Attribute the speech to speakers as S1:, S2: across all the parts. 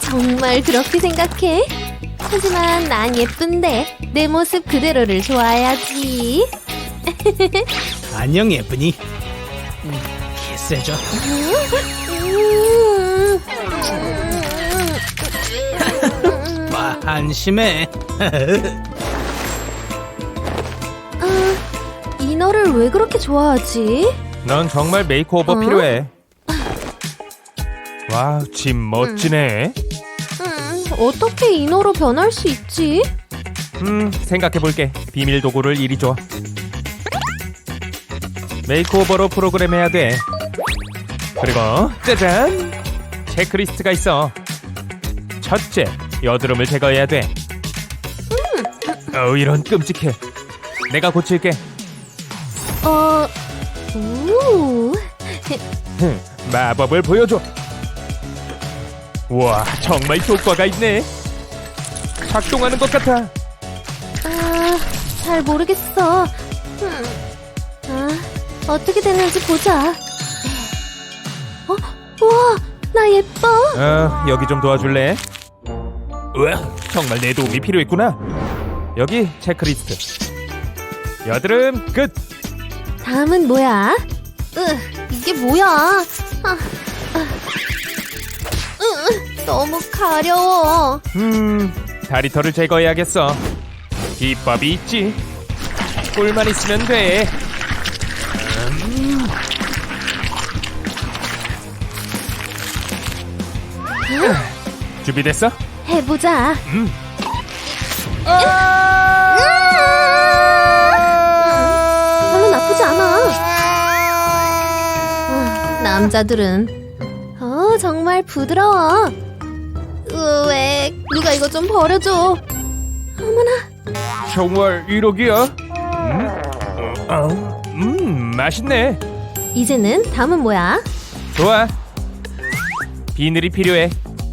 S1: 정말 그렇게 생각해? 하지만 난 예쁜데 내 모습 그대로를 좋아해야지.
S2: 안녕 예쁜이. 키스해줘. 한심해.
S1: 이 너를 왜 그렇게 좋아하지?
S3: 넌 정말 메이크오버 필요해. 와, 집 멋지네.
S1: 어떻게 이 너로 변할 수 있지?
S3: 생각해볼게. 비밀 도구를 이리 줘. 메이크오버로 프로그램 해야 돼. 그리고 짜잔! 체크리스트가 있어. 첫째, 여드름을 제거해야 돼. 이런 끔찍해. 내가 고칠게. 마법을 보여줘. 와, 정말 효과가 있네. 작동하는 것 같아.
S1: 잘 모르겠어. 어떻게 되는지 보자. 우와, 나 예뻐.
S3: 여기 좀 도와줄래? 우와, 정말 내 도움이 필요했구나. 여기 체크리스트. 여드름 끝.
S1: 다음은 뭐야? 이게 뭐야? 너무 가려워.
S3: 다리털을 제거해야겠어. 비법이 있지. 꿀만 있으면 돼. 준비됐어?
S1: 해보자. 별로 나쁘지 않아. 남자들은 정말 부드러워. 왜 누가 이거 좀 버려줘. 어머나.
S3: 정말 이러기야? 맛있네.
S1: 이제는 다음은 뭐야?
S3: 좋아. 비늘이 필요해.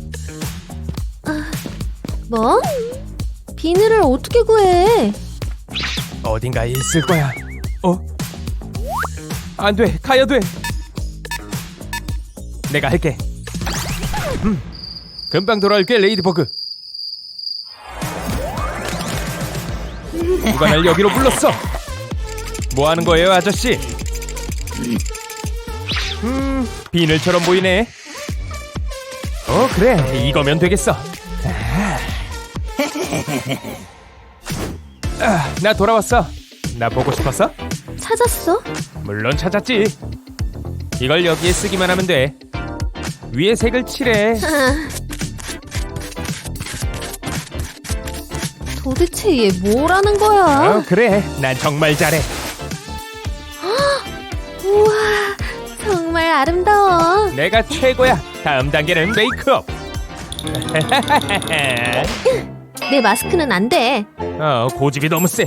S1: 뭐? 비늘을 어떻게 구해?
S3: 어딘가에 있을 거야. 안 돼. 가야 돼. 내가 할게. 금방 돌아올게, 레이디버그. 누가 날 여기로 불렀어? 뭐 하는 거예요, 아저씨? 비늘처럼 보이네. 그래. 이거면 되겠어. 나 돌아왔어. 나 보고 싶었어?
S1: 찾았어?
S3: 물론 찾았지. 이걸 여기에 쓰기만 하면 돼. 위에 색을 칠해.
S1: 도대체 얘 뭐라는 거야?
S3: 그래. 난 정말 잘해.
S1: 우와, 정말 아름다워.
S3: 내가 최고야. 다음 단계는 메이크업.
S1: 내 마스크는 안 돼.
S3: 고집이 너무 세.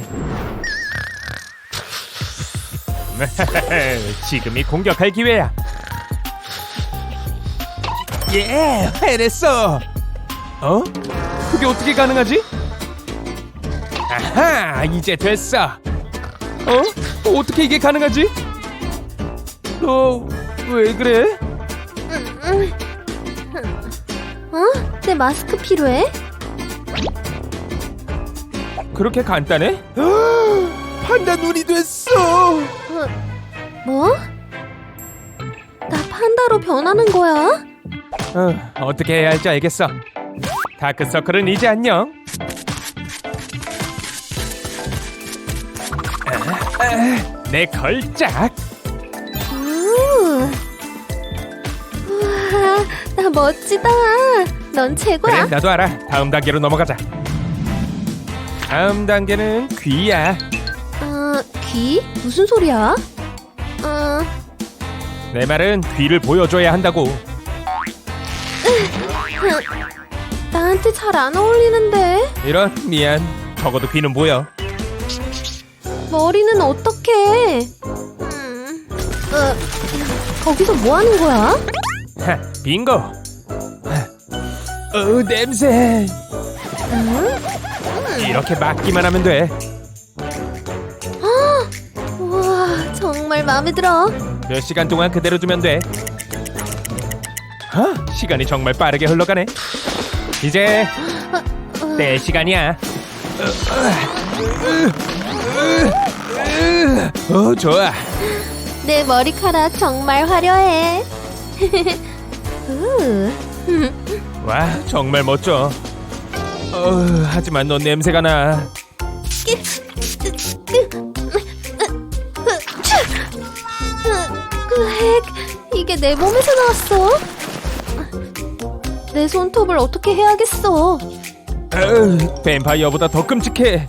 S3: 지금이 공격할 기회야. 예, 해냈어. 그게 어떻게 가능하지? 아하, 이제 됐어. 어떻게 이게 가능하지? 너 왜 그래?
S1: 내 마스크 필요해?
S3: 그렇게 간단해? 판다 눈이 됐어.
S1: 뭐? 나 판다로 변하는 거야?
S3: 어떻게 해야 할지 알겠어. 다크서클은 이제 안녕. 내 걸작.
S1: 우와, 나 멋지다. 넌 최고야.
S3: 그래, 나도 알아. 다음 단계로 넘어가자. 다음 단계는 귀야.
S1: 귀? 무슨 소리야?
S3: 내 말은 귀를 보여줘야 한다고.
S1: 나한테 잘 안 어울리는데.
S3: 이런, 미안. 적어도 귀는 보여.
S1: 머리는 어떡해? 거기서 뭐 하는 거야?
S3: 빙고. 냄새. 이렇게 막기만 하면 돼.
S1: 우와, 정말 마음에 들어.
S3: 몇 시간 동안 그대로 두면 돼. 시간이 정말 빠르게 흘러가네. 이제 내 시간이야. 좋아.
S1: 내 머리카락 정말 화려해.
S3: 와, 정말 멋져. 하지만 넌 냄새가 나.
S1: 핵, 이게 내 몸에서 나왔어. 내 손톱을 어떻게 해야겠어.
S3: 뱀파이어보다 더 끔찍해.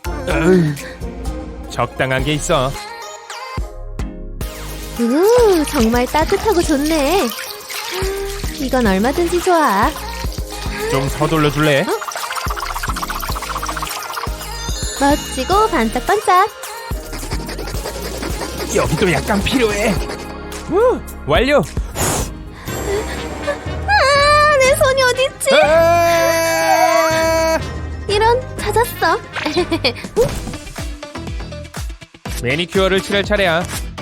S3: 적당한 게 있어.
S1: 정말 따뜻하고 좋네. 이건 얼마든지 좋아.
S3: 좀 서둘러 줄래?
S1: 멋지고 반짝반짝.
S3: 여기도 약간 필요해. 완료.
S1: 내 손이 어딨지? 이런, 찾았어.
S3: 매니큐어를 칠할 차례야.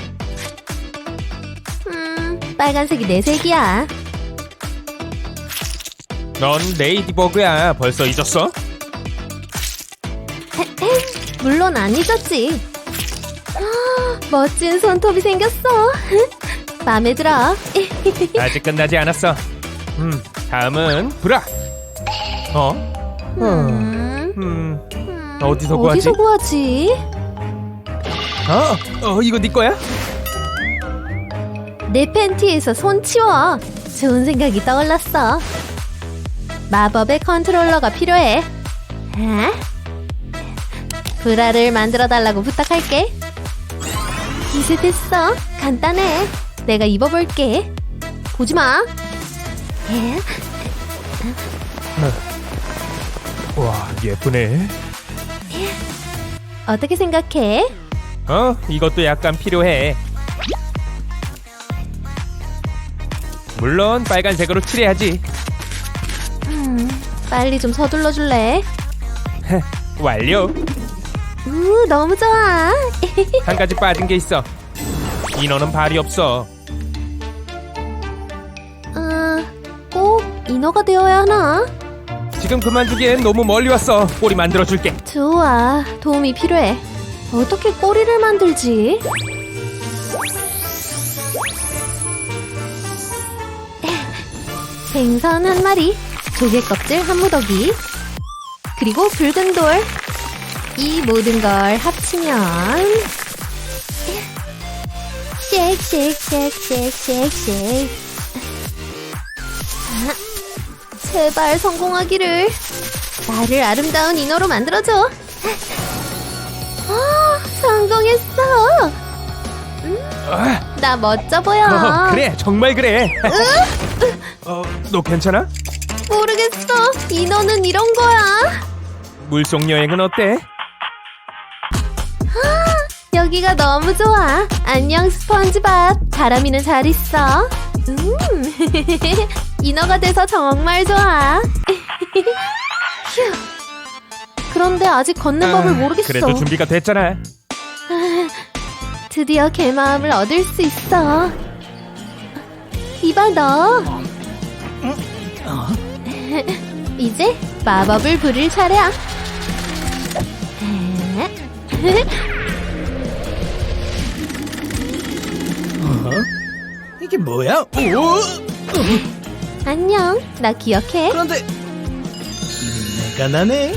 S1: 빨간색이 내 색이야.
S3: 넌 레이디버그야. 벌써 잊었어?
S1: 물론 안 잊었지. 멋진 손톱이 생겼어. 마음에 들어.
S3: 아직 끝나지 않았어. 다음은 브라. 어디서 구하지?
S1: 어디서 구하지?
S3: 이거 네 거야?
S1: 내 팬티에서 손 치워. 좋은 생각이 떠올랐어. 마법의 컨트롤러가 필요해. 브라를 만들어 달라고 부탁할게. 이제 됐어. 간단해. 내가 입어볼게. 보지 마.
S3: 와, 예쁘네.
S1: 어떻게 생각해?
S3: 이것도 약간 필요해. 물론 빨간색으로 칠해야지.
S1: 빨리 좀 서둘러 줄래?
S3: 완료.
S1: 너무 좋아.
S3: 한 가지 빠진 게 있어. 인어는 발이 없어.
S1: 꼭 인어가 되어야 하나?
S3: 지금 그만두기엔 너무 멀리 왔어. 꼬리 만들어줄게.
S1: 좋아. 도움이 필요해. 어떻게 꼬리를 만들지? 생선 한 마리, 조개 껍질 한 무더기, 그리고 붉은 돌. 이 모든 걸 합치면 쉑쉑쉑쉑쉑쉑. 제발 성공하기를. 나를 아름다운 인어로 만들어줘. 성공했어. 나 멋져 보여.
S3: 그래, 정말 그래. 너 괜찮아?
S1: 모르겠어. 인어는 이런 거야.
S3: 물속 여행은 어때?
S1: 여기가 너무 좋아. 안녕 스펀지밥. 바람이는 잘 있어. 인어가 돼서 정말 좋아. 휴. 그런데 아직 걷는 법을 모르겠어.
S3: 그래도 준비가 됐잖아.
S1: 드디어 개 마음을 얻을 수 있어. 이봐 너. 이제 마법을 부릴 차례야.
S2: 이게 뭐야?
S1: 안녕. 나 기억해.
S2: 그런데 내가 나네.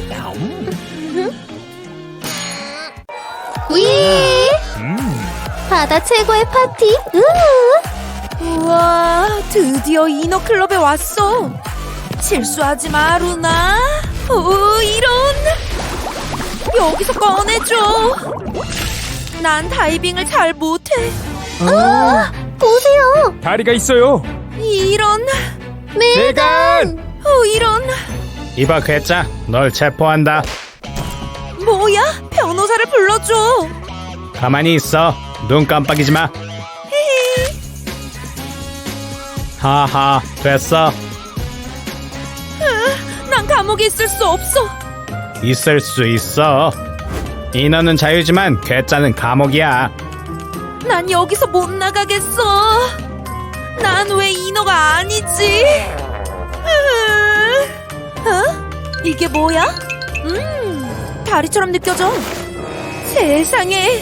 S1: 위. 바다 최고의 파티.
S4: 우와, 드디어 인어클럽에 왔어. 실수하지 마, 루나. 이런. 여기서 꺼내줘. 난 다이빙을 잘 못해.
S1: 보세요.
S3: 다리가 있어요.
S4: 이런.
S3: 대간.
S4: 이런.
S5: 이봐 괴짜, 널 체포한다.
S4: 뭐야? 변호사를 불러줘.
S5: 가만히 있어. 눈 깜빡이지 마. 하하, 됐어.
S4: 난 감옥에 있을 수 없어.
S5: 있을 수 있어. 인어는 자유지만 괴짜는 감옥이야.
S4: 난 여기서 못 나가겠어. 난 왜 인어가 아니지? 이게 뭐야? 다리처럼 느껴져. 세상에.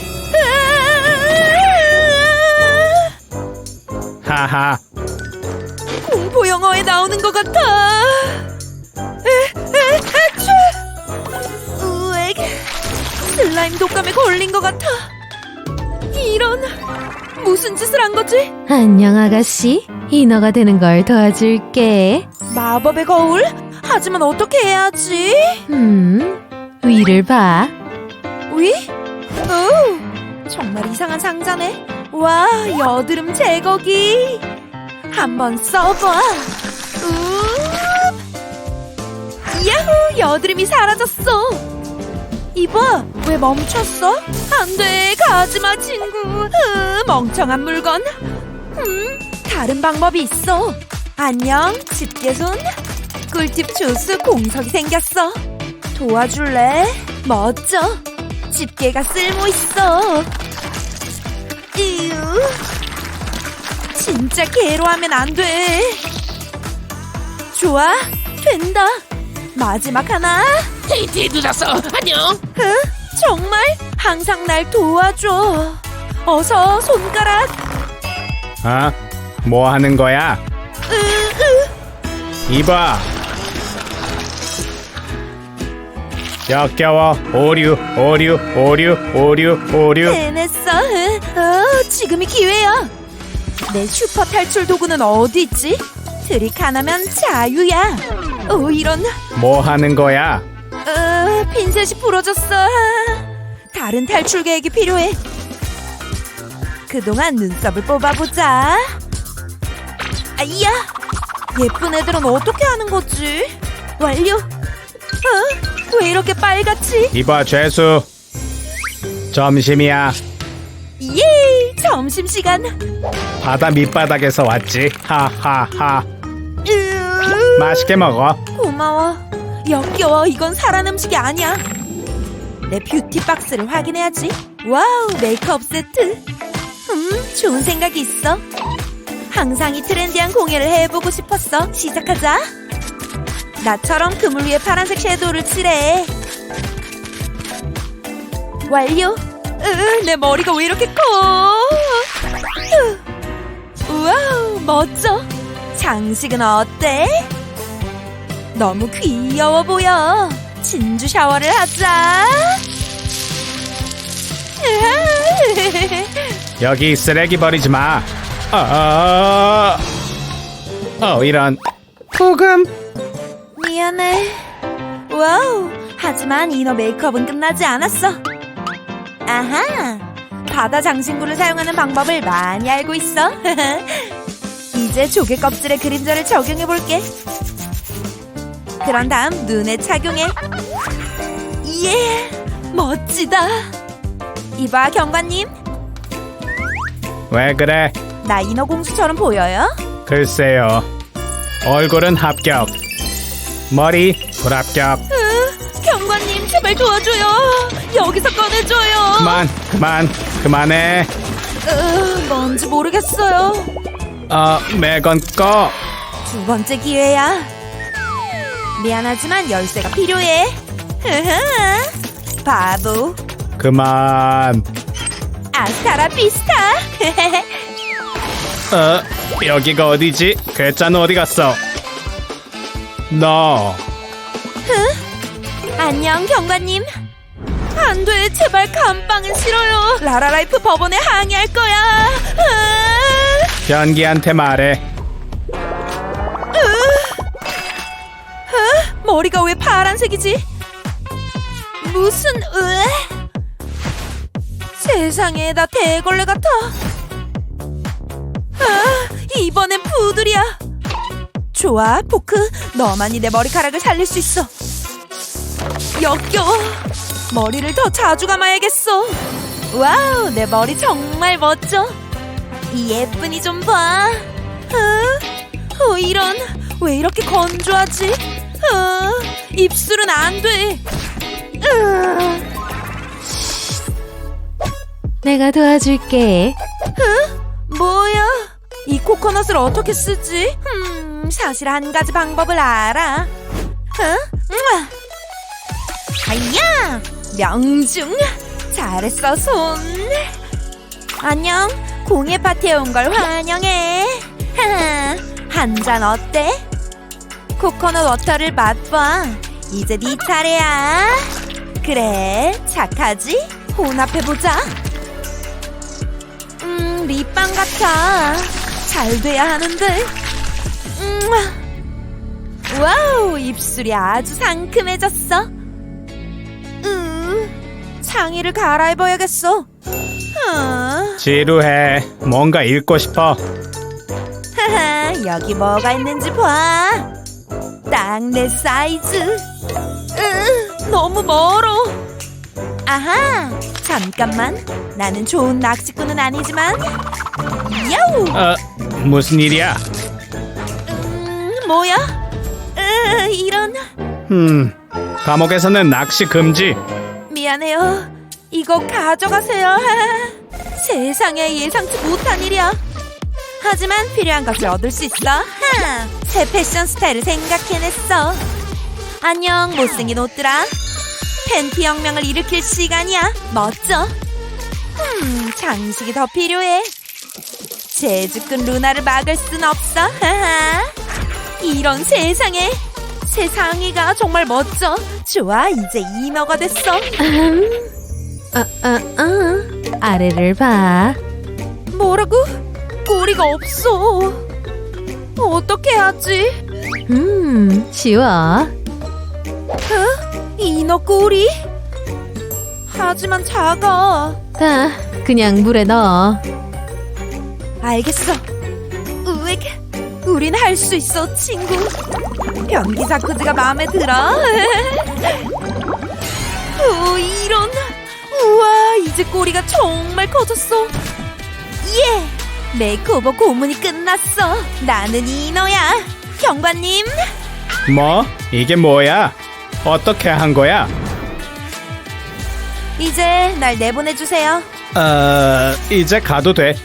S5: 하하.
S4: 공포 영화에 나오는 것 같아. 아추! 으엑. 슬라임 독감에 걸린 것 같아. 이런, 무슨 짓을 한 거지?
S1: 안녕 아가씨. 인어가 되는 걸 도와줄게.
S4: 마법의 거울? 하지만 어떻게 해야지?
S1: 위를 봐.
S4: 위? 오, 정말 이상한 상자네. 와, 여드름 제거기. 한번 써봐. 야호, 여드름이 사라졌어. 이봐, 왜 멈췄어? 안 돼, 가지마 친구. 멍청한 물건. 다른 방법이 있어. 안녕, 집게손. 꿀팁 조수 공석이 생겼어. 도와줄래? 멋져. 집게가 쓸모 있어. 이유. 진짜 개로하면 안 돼. 좋아, 된다. 마지막 하나.
S6: 데이트에 늦었어. 안녕.
S4: 정말 항상 날 도와줘. 어서 손가락.
S5: 어? 뭐 하는 거야? 이봐. 역겨워. 오류.
S4: 해냈어. 지금이 기회야. 내 슈퍼 탈출 도구는 어디 있지? 트릭 하나면 자유야. 오, 이런.
S5: 뭐 하는 거야?
S4: 핀셋이 부러졌어. 다른 탈출 계획이 필요해. 그동안 눈썹을 뽑아보자. 아이야. 예쁜 애들은 어떻게 하는 거지? 완료. 왜 이렇게 빨갛지?
S5: 이봐 죄수. 점심이야.
S4: 예, 점심시간.
S5: 바다 밑바닥에서 왔지. 하하하. 맛있게 먹어.
S4: 고마워. 역겨워. 이건 사람 음식이 아니야. 내 뷰티 박스를 확인해야지. 와우, 메이크업 세트. 좋은 생각이 있어. 항상 이 트렌디한 공예를 해보고 싶었어. 시작하자. 나처럼 그물 위에 파란색 섀도우를 칠해. 완료. 내 머리가 왜 이렇게 커? 우와우, 멋져. 장식은 어때? 너무 귀여워 보여. 진주 샤워를 하자.
S5: 여기 쓰레기 버리지 마. 이런. 소금.
S4: 미안해. 와우. 하지만 이너 메이크업은 끝나지 않았어. 아하. 바다 장신구를 사용하는 방법을 많이 알고 있어. 이제 조개 껍질에 그림자를 적용해볼게. 그런 다음 눈에 착용해. 예, 멋지다. 이봐 경관님,
S5: 왜 그래?
S4: 나 인어공주처럼 보여요?
S5: 글쎄요. 얼굴은 합격. 머리 불합격.
S4: 경관님 제발 도와줘요. 여기서 꺼내줘요.
S5: 그만해.
S4: 뭔지 모르겠어요.
S5: 매건 꺼.
S4: 두 번째 기회야. 미안하지만 열쇠가 필요해. 바보.
S5: 그만.
S4: 아스타라 비스타.
S5: 여기가 어디지? 괴짜는 어디 갔어? 너.
S4: 안녕 경관님. 안돼, 제발 감빵은 싫어요. 라라라이프 법원에 항의할 거야.
S5: 변기한테 말해.
S4: 머리가 왜 파란색이지? 무슨 세상에, 나 대걸레 같아. 이번엔 푸들이야. 좋아, 포크. 너만이 내 머리카락을 살릴 수 있어. 역겨워. 머리를 더 자주 감아야겠어. 와우, 내 머리 정말 멋져. 이 예쁜이 좀 봐. 이런. 왜 이렇게 건조하지? 입술은 안 돼.
S1: 내가 도와줄게.
S4: 뭐야? 이 코코넛을 어떻게 쓰지? 사실 한 가지 방법을 알아. 하야! 명중! 잘했어, 손! 안녕, 공예 파티에 온 걸 환영해! 하하, 한 잔 어때? 코코넛 워터를 맛봐! 이제 네 차례야! 그래, 착하지? 혼합해보자! 립밤 같아! 잘 돼야 하는데! 와우, 입술이 아주 상큼해졌어! 상의를 갈아입어야겠어.
S5: 지루해. 뭔가 읽고 싶어.
S4: 하하, 여기 뭐가 있는지 봐. 딱 내 사이즈. 너무 멀어. 아하, 잠깐만. 나는 좋은 낚시꾼은 아니지만. 야우.
S5: 무슨 일이야?
S4: 뭐야? 이런.
S5: 감옥에서는 낚시 금지.
S4: 미안해요. 이거 가져가세요. 세상에, 예상치 못한 일이야. 하지만 필요한 것을 얻을 수 있어. 새 패션 스타일을 생각해냈어. 안녕, 못생긴 옷들아. 팬티 혁명을 일으킬 시간이야. 멋져. 장식이 더 필요해. 재주꾼 루나를 막을 순 없어. 이런 세상에. 새 상의가 정말 멋져. 좋아, 이제 인어가 됐어.
S1: 아래를 봐.
S4: 뭐라고? 꼬리가 없어. 어떻게 하지?
S1: 쉬워.
S4: 인어 꼬리? 하지만 작아.
S1: 다 그냥 물에 넣어.
S4: 알겠어. 우엑, 우린 할 수 있어, 친구. 변기 자쿠지가 마음에 들어. 오, 이런. 우와, 이제 꼬리가 정말 커졌어. 예! 메이크오버 고문이 끝났어. 나는 인어야. 경관님.
S5: 뭐? 이게 뭐야? 어떻게 한 거야?
S4: 이제 날 내보내주세요.
S5: 이제 가도 돼.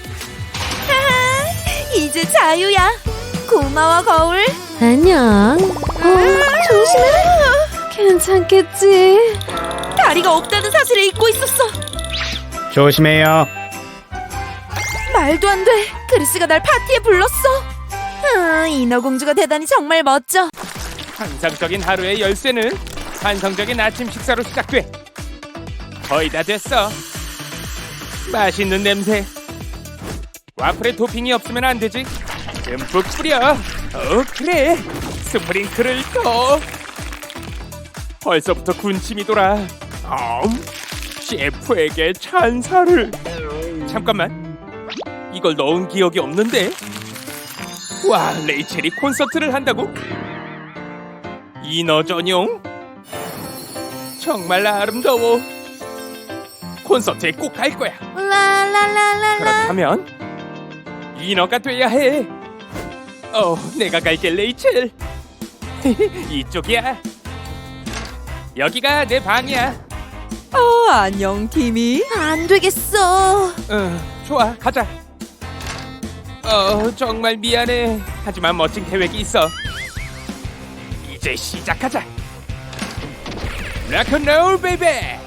S4: 이제 자유야. 고마워, 거울.
S1: 안녕. 조심해. 괜찮겠지?
S4: 다리가 없다는 사실을 잊고 있었어.
S5: 조심해요.
S4: 말도 안 돼. 크리스가 날 파티에 불렀어. 인어공주가 되다니 정말 멋져.
S3: 환상적인 하루의 열쇠는 환상적인 아침 식사로 시작돼. 거의 다 됐어. 맛있는 냄새. 와플에 토핑이 없으면 안 되지. 듬뿍 뿌려. 그래. 스프링클을 더. 벌써부터 군침이 돌아. 셰프에게 찬사를. 잠깐만. 이걸 넣은 기억이 없는데. 와, 레이첼이 콘서트를 한다고? 인어 전용? 정말 아름다워. 콘서트에 꼭 갈 거야.
S4: 라라라라라.
S3: 그렇다면 인어가 돼야 해. 내가 갈게, 레이첼. 이쪽이야. 여기가 내 방이야.
S4: 안녕, 팀이. 안 되겠어.
S3: 좋아, 가자. 정말 미안해. 하지만 멋진 계획이 있어. 이제 시작하자. 락앤롤 베이베.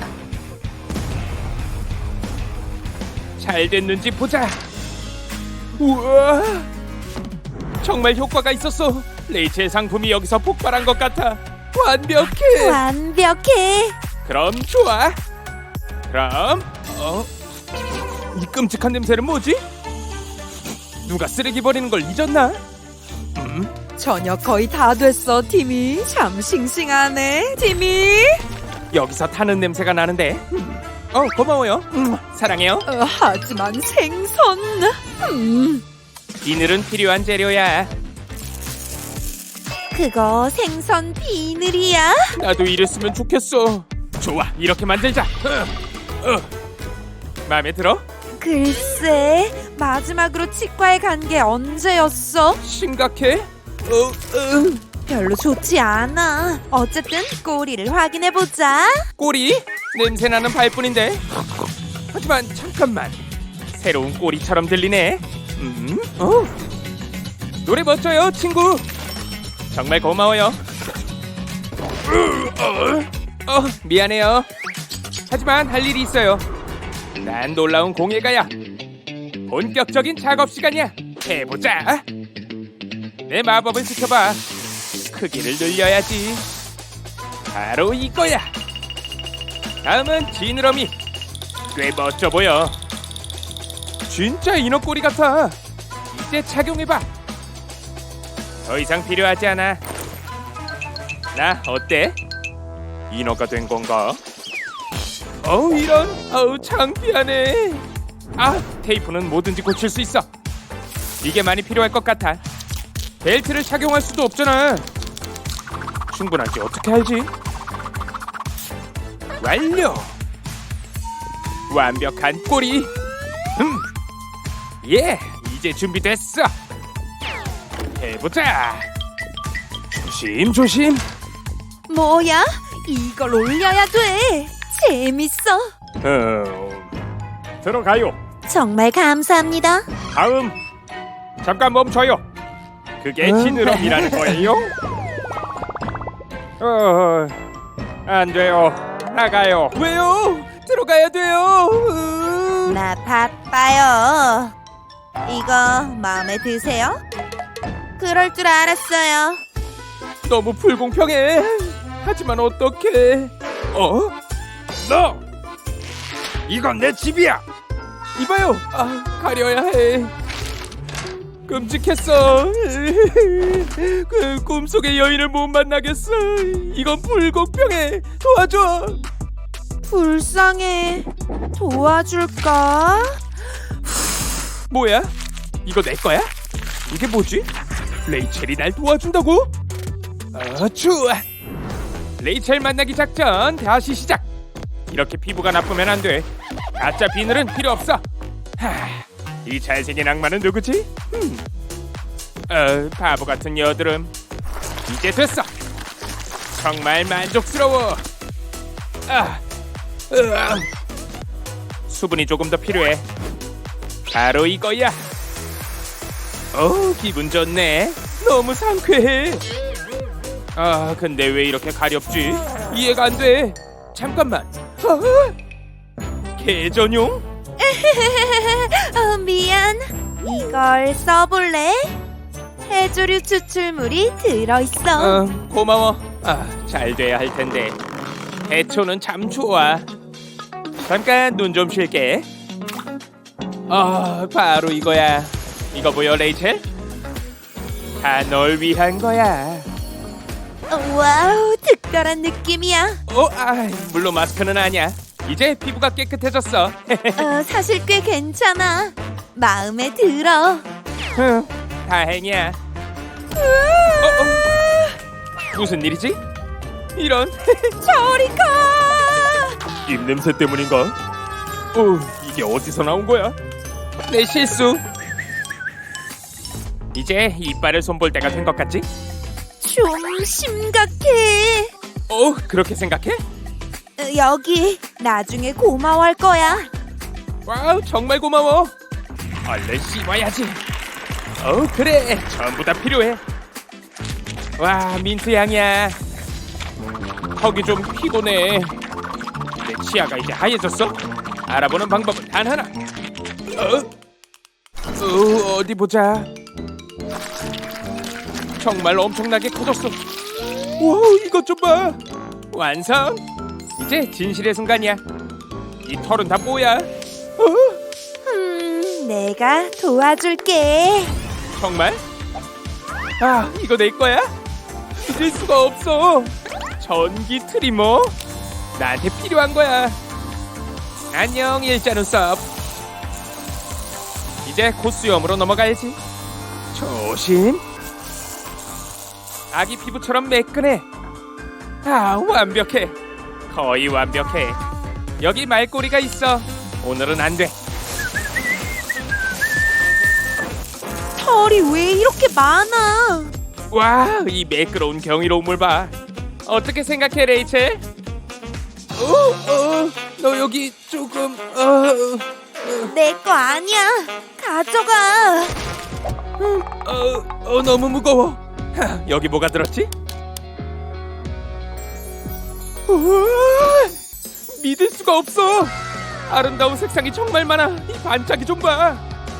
S3: 잘 됐는지 보자. 우와, 정말 효과가 있었어. 레이첼 상품이 여기서 폭발한 것 같아. 완벽해.
S4: 완벽해.
S3: 그럼 좋아. 그럼 이 끔찍한 냄새는 뭐지? 누가 쓰레기 버리는 걸 잊었나?
S4: 저녁 거의 다 됐어, 팀이. 참 싱싱하네, 팀이.
S3: 여기서 타는 냄새가 나는데. 고마워요. 사랑해요.
S4: 하지만 생선.
S3: 비늘은 필요한 재료야.
S4: 그거 생선 비늘이야?
S3: 나도 이랬으면 좋겠어. 좋아, 이렇게 만들자. 마음에 들어?
S4: 글쎄, 마지막으로 치과에 간 게 언제였어?
S3: 심각해?
S4: 별로 좋지 않아. 어쨌든 꼬리를 확인해보자.
S3: 꼬리? 냄새나는 발뿐인데. 하지만 잠깐만, 새로운 꼬리처럼 들리네. 노래 멋져요, 친구. 정말 고마워요. 미안해요. 하지만 할 일이 있어요. 난 놀라운 공예가야. 본격적인 작업 시간이야. 해보자. 내 마법을 지켜봐. 크기를 늘려야지. 바로 이거야. 다음은 지느러미. 꽤 멋져 보여. 진짜 인어 꼬리 같아. 이제 착용해봐. 더 이상 필요하지 않아. 나 어때? 인어가 된 건가? 이런. 창피하네. 테이프는 뭐든지 고칠 수 있어. 이게 많이 필요할 것 같아. 벨트를 착용할 수도 없잖아. 충분한지 어떻게 알지? 완료. 완벽한 꼬리. 예, 이제 준비됐어. 해보자. 조심조심.
S4: 뭐야? 이걸 올려야 돼. 재밌어.
S3: 들어가요.
S4: 정말 감사합니다.
S3: 다음. 잠깐 멈춰요. 그게 지느러미라는 거예요? 안 돼요. 나가요. 왜요? 들어가야 돼요.
S4: 나 바빠요. 이거 마음에 드세요? 그럴 줄 알았어요.
S3: 너무 불공평해. 하지만 어떡해. 너! 이건 내 집이야. 이봐요. 가려야 해. 끔찍했어. 그 꿈속의 여인을 못 만나겠어. 이건 불공평해. 도와줘.
S4: 불쌍해. 도와줄까?
S3: 뭐야? 이거 내 거야? 이게 뭐지? 레이첼이 날 도와준다고? 좋아. 레이첼 만나기 작전 다시 시작. 이렇게 피부가 나쁘면 안 돼. 가짜 비늘은 필요 없어. 이 잘생긴 악마는 누구지? 바보 같은 여드름. 이제 됐어. 정말 만족스러워. 수분이 조금 더 필요해. 바로 이거야. 기분 좋네. 너무 상쾌해. 근데 왜 이렇게 가렵지? 이해가 안 돼. 잠깐만. 개 전용?
S4: 미안. 이걸 써볼래? 해조류 추출물이 들어있어.
S3: 고마워. 잘 돼야 할 텐데. 해초는 참 좋아. 잠깐 눈 좀 쉴게. 바로 이거야. 이거 보여, 레이첼? 다 널 위한 거야.
S4: 와우, 특별한 느낌이야.
S3: 물론 마스크는 아니야. 이제 피부가 깨끗해졌어.
S4: 사실 꽤 괜찮아. 마음에 들어.
S3: 다행이야. 무슨 일이지? 이런.
S4: 저리 가.
S3: 입냄새 때문인가? 이게 어디서 나온 거야? 내 실수. 이제 이빨을 손볼 때가 된 것 같지?
S4: 좀 심각해.
S3: 그렇게 생각해?
S4: 여기 나중에 고마워할 거야.
S3: 와우, 정말 고마워. 얼른 씹어야지. 그래, 전부 다 필요해. 와, 민트 향이야. 턱이 좀 피곤해. 내 치아가 이제 하얘졌어. 알아보는 방법은 단 하나. 어디 보자. 정말 엄청나게 커졌어. 와, 이것 좀 봐. 완성. 이제 진실의 순간이야. 이 털은 다 뭐야?
S4: 내가 도와줄게.
S3: 정말? 이거 내 거야? 잊을 수가 없어. 전기 트리머. 나한테 필요한 거야. 안녕, 일자 눈썹. 이제 곧 수염으로 넘어가야지. 조심. 아기 피부처럼 매끈해. 완벽해. 거의 완벽해. 여기 말꼬리가 있어. 오늘은 안 돼.
S4: 털이 왜 이렇게 많아?
S3: 와, 이 매끄러운 경이로움을 봐. 어떻게 생각해, 레이첼? 너 여기 조금
S4: 내 거 아니야. 가져가.
S3: 너무 무거워. 여기 뭐가 들었지? 우와, 믿을 수가 없어. 아름다운 색상이 정말 많아. 이 반짝이 좀 봐.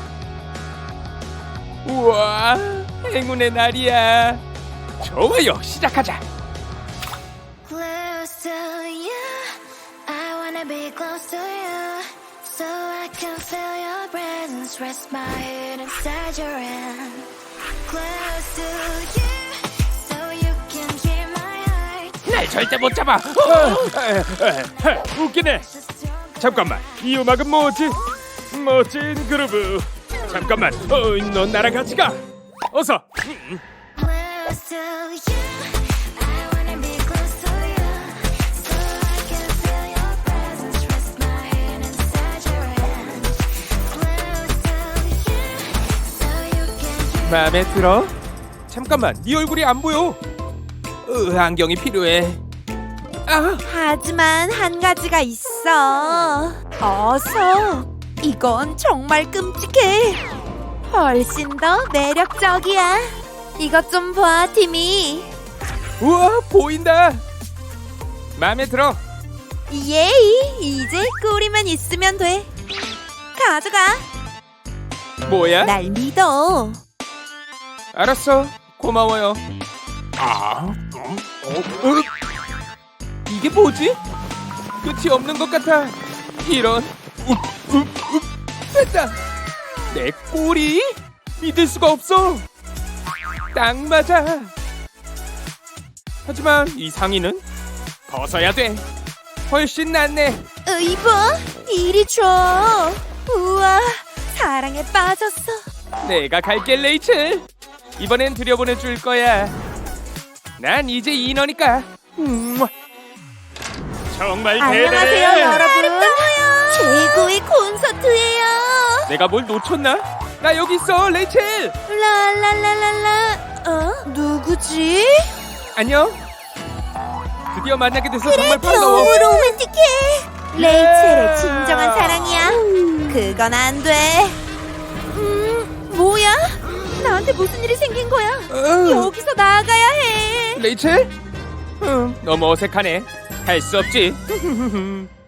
S3: 우와, 행운의 날이야. 좋아요, 시작하자.
S7: Close to you, I wanna be close to you, so I can feel your presence. Rest my head inside your hand. Close to you, so you can hear my heart.
S3: 날 절대 못 잡아. 웃기네.
S7: Just your
S3: 잠깐만, 이 음악은 뭐지? 멋진 그루브. 잠깐만, 넌 나랑 같이 가. 어서.
S7: close to you, I wanna be close to you, so I can feel your presence. Rest my head inside your hand. Close to you, so you can hear.
S3: 마음에 들어? 잠깐만, 네 얼굴이 안 보여. 안경이 필요해. 아,
S4: 하지만 한 가지가 있어. 어서. 이건 정말 끔찍해. 훨씬 더 매력적이야. 이것 좀 봐, 티미.
S3: 우와, 보인다. 마음에 들어.
S4: 예이, 이제 꼬리만 있으면 돼. 가져가.
S3: 뭐야?
S4: 날 믿어.
S3: 알았어. 고마워요. 이게 뭐지? 끝이 없는 것 같아. 이런. 됐다. 내 꼬리? 믿을 수가 없어. 딱 맞아. 하지만 이 상의는 벗어야 돼. 훨씬 낫네.
S4: 이봐, 이리 줘. 우와, 사랑에 빠졌어.
S3: 내가 갈게, 레이첼. 이번엔 들여보내줄 거야. 난 이제 인어니까. 정말
S4: 안녕하세요,
S3: 대단해.
S4: 여러분. 최고의 콘서트예요.
S3: 내가 뭘 놓쳤나? 나 여기 있어, 레이첼.
S4: 랄랄랄랄라. 누구지?
S3: 안녕. 드디어 만나게 돼서 정말 반가워.
S4: 너무 로맨틱해. 레이첼의 진정한 사랑이야. 그건 안 돼. 뭐야? 나한테 무슨 일이 생긴 거야? 여기서 나가야 해.
S3: 레이첼? 너무 어색하네. 할 수 없지.